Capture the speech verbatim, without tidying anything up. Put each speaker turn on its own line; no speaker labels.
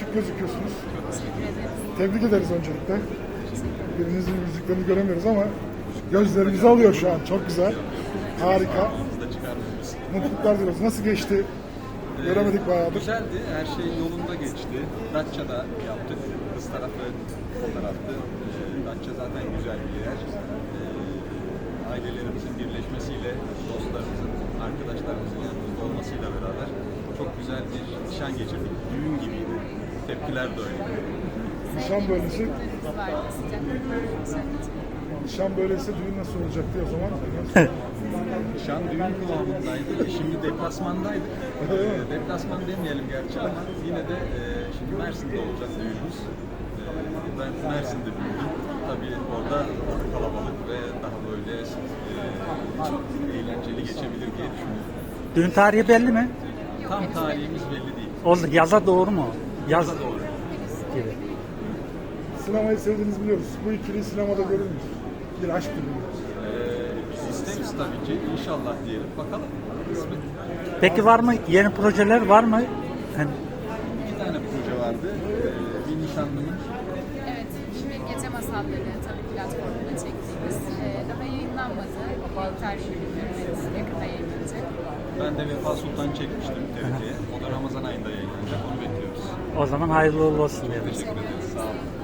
şık gözüküyorsunuz.
Teşekkür ederim.
Tebrik ederiz öncelikle. Birinizin yüzüklerini göremiyoruz ama gözlerimizi alıyor şu an. Çok güzel. Harika. Mutluluklar diliyoruz. Nasıl geçti? Göremedik bayağıdır.
Güzeldi, her şey yolunda geçti. Datça'da yaptık. Kız tarafı fotoğraftı. Ee, Datça zaten güzel bir yer. Ee, ailelerimizin birleşmesiyle, dostlarımızın, arkadaşlarımızın yanımızda olmasıyla beraber çok güzel bir nişan geçirdik. Düğün gibiydi. Tepkiler de öyle.
Nişan böylesi,
Çocuklarımız vardı, sıcak başlangıç.
nişan böylesi düğün nasıl olacaktı o zaman?
Nişan düğün kıvamındaydı. Şimdi deplasmandaydık. Ee, deplasman demeyelim gerçi ama yine de e, şimdi Mersin'de olacak düğünümüz. Ee, ben Mersin'de büyüdüm. Tabii orada kalabalık ve daha böyle e, çok eğlenceli geçebilir diye düşünüyorum.
Düğün tarihi belli mi?
Tam tarihimiz belli değil.
Oldu. Yaza doğru mu? Yaz
Yaza doğru.
gibi.
Sinemayı sevdiğinizi biliyoruz. Bu ikiliyi sinemada görür müyüz? Bir aşk filmi.
Ee, isteriz tabii ki. İnşallah diyelim. Bakalım. Kısmet.
Peki var mı? Yeni projeler var mı? Yani
İki tane proje vardı. Ee, bir nişanlımın
Evet, şimdi Gece Masalları tabii platformunda çektiğimiz. Ee, daha yayınlanmadı. Bir tarihi bilmiyorum. Evet, yakında yayınlanacak.
ben de Vefa Sultan çekmiştim T R T'ye. O da Ramazan ayında yayınlanacak. Onu bekliyoruz.
o zaman hayırlı uğurlu olsun diyelim.
Teşekkür ederiz. Sağ olun.